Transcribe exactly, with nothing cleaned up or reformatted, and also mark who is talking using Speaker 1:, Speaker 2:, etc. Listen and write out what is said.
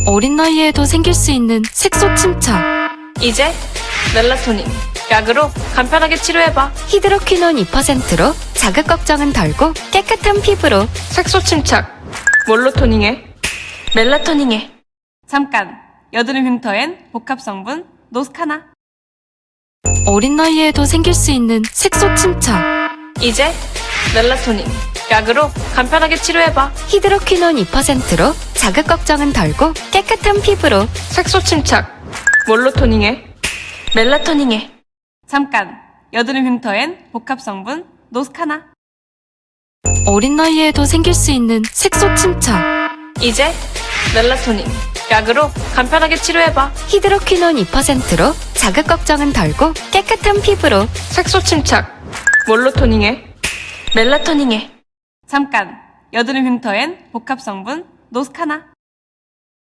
Speaker 1: 어린 나이에도 생길 수 있는 색소 침착.
Speaker 2: 이제 멜라토닌 약으로 간편하게 치료해봐.
Speaker 1: 히드로퀴논 이 퍼센트로 자극 걱정은 덜고 깨끗한 피부로
Speaker 2: 색소 침착 뭘로 토닝해? 멜라토닝해. 잠깐 여드름 흉터엔 복합 성분 노스카나.
Speaker 1: 어린 나이에도 생길 수 있는 색소 침착.
Speaker 2: 이제 멜라토닌 약으로 간편하게 치료해봐.
Speaker 1: 히드로퀴논 이 퍼센트로 자극 걱정은 덜고 깨끗한 피부로
Speaker 2: 색소 침착 뭘로 토닝해? 멜라토닝해. 잠깐 여드름 흉터엔 복합 성분 노스카나.
Speaker 1: 어린 나이에도 생길 수 있는 색소 침착.
Speaker 2: 이제 멜라토닌 약으로 간편하게 치료해봐.
Speaker 1: 히드로퀴논 이 퍼센트로 자극 걱정은 덜고 깨끗한 피부로
Speaker 2: 색소 침착 뭘로 토닝해? 멜라토닝해. 잠깐 여드름 흉터엔 복합 성분 노스카나.